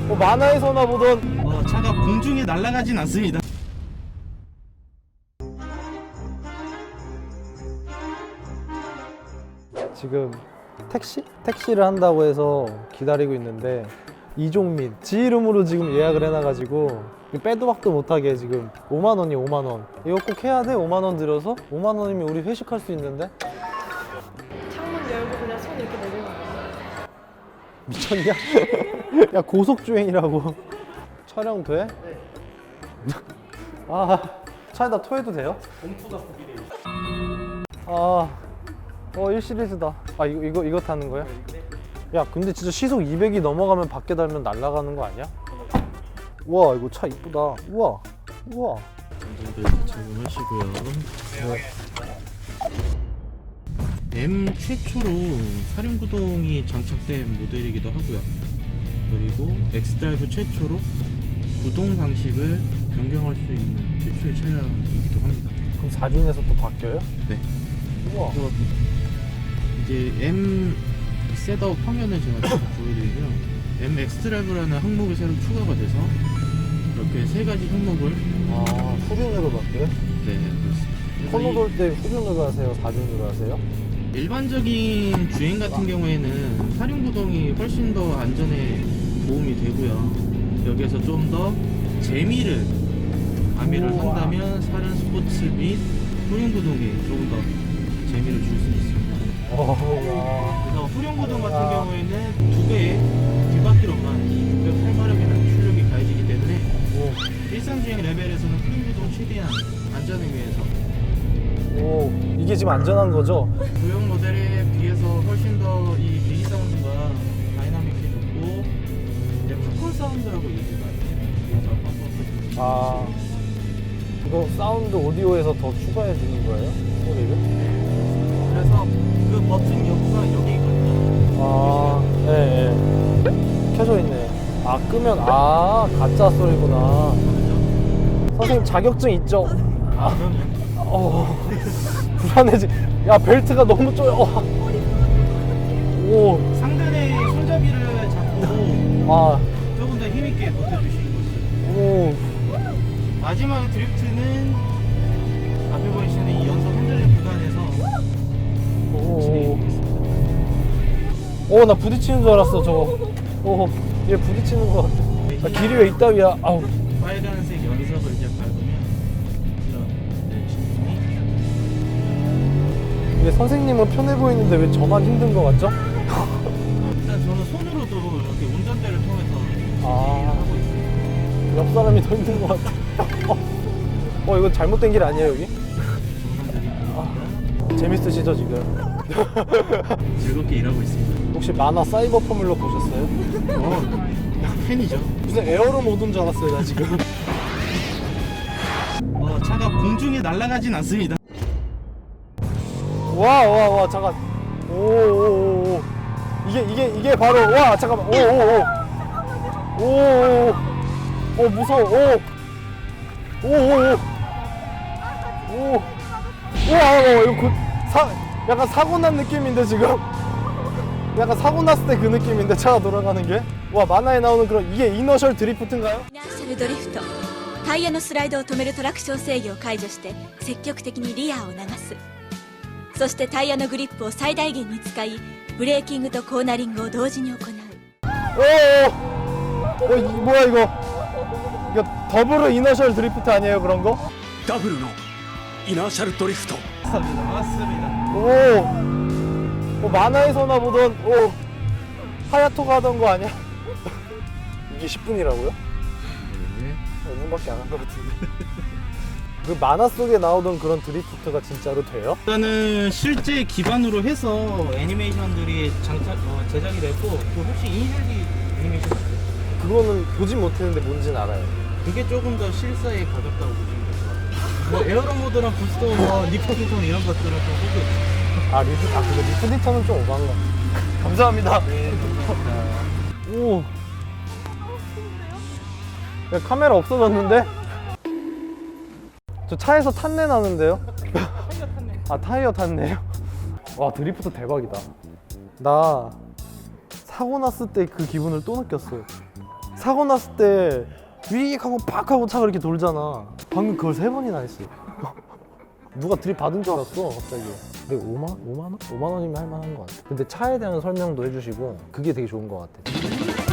만화에서나 보던 차가 공중에 날아가진 않습니다. 지금 택시를 한다고 해서 기다리고 있는데 이종민 지 이름으로 지금 예약을 해놔가지고 빼도 박도 못하게 지금 5만 원이 5만 원. 이거 꼭 해야 돼? 5만 원 들여서? 5만 원이면 우리 회식할 수 있는데? 창문 열고 그냥 손 이렇게 내리는 거야. 미쳤냐? 야 고속주행이라고. 촬영 돼? 네. 아 차에다 토해도 돼요? 공포가 보기래요. 아 1시리즈다. 아 이거 타는 거야? 야 근데 진짜 시속 200이 넘어가면 밖에 달면 날아가는 거 아니야? 우와 이거 차 이쁘다. 우와 안전벨트 착용하시고요. M 최초로 사륜구동이 장착된 모델이기도 하고요. 그리고 엑스드라이브 최초로 구동 방식을 변경할 수 있는 최초의 차량이기도 합니다. 그럼 4륜에서 또 바뀌어요? 네. 우와 그래서 이제 M 셋업 화면을 제가 쭉 보여드리고요. M 엑스드라이브라는 항목이 새로 추가가 돼서 이렇게 세 가지 항목을 후륜으로 바뀌어요? 네 그렇습니다. 코너 돌 때 후륜으로 하세요? 4륜으로 하세요? 일반적인 주행 같은 경우에는 사륜구동이 훨씬 더 안전에 도움이 되고요. 여기에서 좀 더 재미를 가미를 우와. 한다면 사륜 스포츠 및 후륜구동이 조금 더 재미를 줄 수 있습니다. 그래서 후륜구동 같은 와. 경우에는 두 배의 뒷바퀴로만 608마력이라는 출력이 가해지기 때문에 일상주행 레벨에서는 후륜구동 최대한 안전을 위해서 오 이게 지금 안전한 거죠? 구형 모델에 비해서 훨씬 더 이 배기 사운드가 다이나믹해 좋고 이제 팝콘 사운드라고 얘기가 있어요. 팝콘 아 이거 사운드 오디오에서 더 추가해 주는 거예요? 소리를? 그래서 그 버튼 여부가 여기 있거든요. 예. 켜져 있네. 끄면 가짜 소리구나. 선생님 자격증 있죠? 그러면 불안해지. 야 벨트가 너무 쪼여. 오. 상단의 손잡이를 잡고 아. 조금 더 힘있게 버텨주시는 거죠. 오. 마지막 드리프트는 앞에 보이시는 이 연속 핸들링 구간에서 오. 오, 나 부딪히는 줄 알았어, 저거. 오, 얘 부딪히는 거 같아. 길이 왜 이따위야? 아우. 빨간색 연석을 이제 밟으면 이런 진동이 근데 선생님은 편해 보이는데 왜 저만 힘든 거 같죠? 일단 저는 손으로도 이렇게 운전대를 통해서 하고 있어요. 옆 사람이 더 힘든 것 같아. 이거 잘못된 길 아니에요, 여기? 재밌으시죠, 지금? 즐겁게 일하고 있습니다. 혹시 만화 사이버 포뮬러 보셨어요? 팬이죠. 무슨 에어로 모드인 줄 알았어요, 나 지금. 차가 공중에 날아가진 않습니다. 와, 잠깐. 오. 이게 바로, 와, 잠깐만. 오, 무서워. 우와, 이거 약간 사고 난 느낌인데, 지금? 약간 사고 났을 때 그 느낌인데, 차가 돌아가는 게? 와, 만화에 나오는 그런, 이게 이너셜 드리프트인가요? イナーシャルドリフトタイヤのスライドを止めるトラクション制御を解除して積極的にリアを流すそしてタイヤのグリップを最大限に使いブレーキングとコーナリングを同時に行う 뭐야, 이거 더블 이너셜 드리프트 아니에요, 그런 거? ダブルのイナーシャルドリフト 맞습니다. 만화에서나 보던, 하야토가 하던 거 아니야? 이게 10분이라고요? 네. 5분밖에 안 한 것 같은데. 그 만화 속에 나오던 그런 드리프트가 진짜로 돼요? 일단은 실제 기반으로 해서 애니메이션들이 제작이 됐고 그 혹시 이니셜D 애니메이션 아세요? 그거는 보진 못했는데 뭔지는 알아요. 그게 조금 더 실사에 가깝다고 보시면 될 것 같아요. 뭐 에어로 모드랑 부스터, 리프팅톤 이런 것들은 좀 호구. 근데 리프디터는 좀 오버한 거 같아. 감사합니다. 네, 감사합니다. 오. 야, 카메라 없어졌는데? 저 차에서 탄내 나는데요? 타이어 탔네요? 와, 드리프트 대박이다. 나 사고 났을 때 그 기분을 또 느꼈어요. 사고 났을 때 위익 하고 팍 하고 차가 이렇게 돌잖아. 방금 그걸 3번이나 했어. 누가 들이받은 줄 알았어 갑자기. 근데 5만 원? 5만 원이면 할 만한 것 같아. 근데 차에 대한 설명도 해주시고 그게 되게 좋은 것 같아.